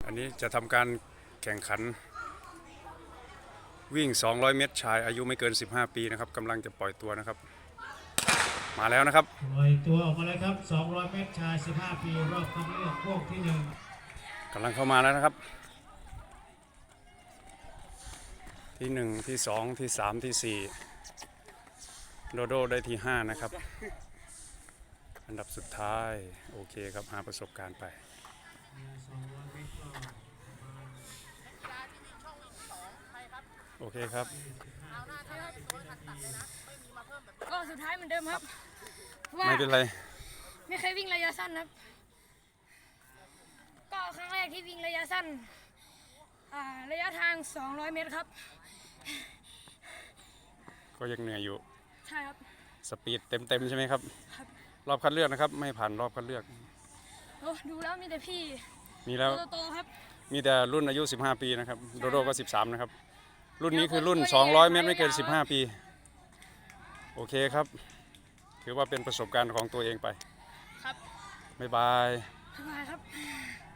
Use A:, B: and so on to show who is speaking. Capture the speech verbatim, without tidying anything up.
A: อันนี้จะทำการแข่งขันวิ่งสองร้อยเมตรชายอายุไม่เกินสิบห้าปีนะครับกำลังจะปล่อยตัวนะครับมาแล้วนะครับ
B: ปล่อยตัวออกมาเลยครับสองร้อยเมตรชายสิบห้าปีรอบคัดเลือกพวกที่หนึ่ง
A: กำลังเข้ามาแล้วนะครับที่หนึ่งที่สองที่สามที่สี่โดโดได้ที่ห้านะครับอันดับสุดท้ายโอเคครับหาประสบการณ์ไปโอเคครับ
C: ก็สุดท้ายเหมือนเดิมครับ
A: ไม่เป็นไร
C: ไม่เคยวิ่งระยะสั้นครับก็ครั้งแรกที่วิ่งระยะสั้นระยะทางสองร้อยเมตรครับ
A: ก็ยังเหนื่อยอยู่
C: ใช่ครับ
A: สปีดเต็มๆใช่ไหมครับรอบคัดเลือกนะครับไม่ผ่านรอบคัดเลือก
C: โอ้ดูแล้วมีแต่พี่
A: มีแล้ว
C: โตๆครับ
A: มีแต่รุ่นอายุสิบห้าปีนะครับโดโดก็สิบสามนะครับรุ่นนี้คือรุ่นสองร้อยเมตรไม่เกินสิบห้าปีโอเคครับถือว่าเป็นประสบการณ์ของตัวเองไป
C: ครับ
A: บ๊ายบาย
C: บ๊ายบายครับ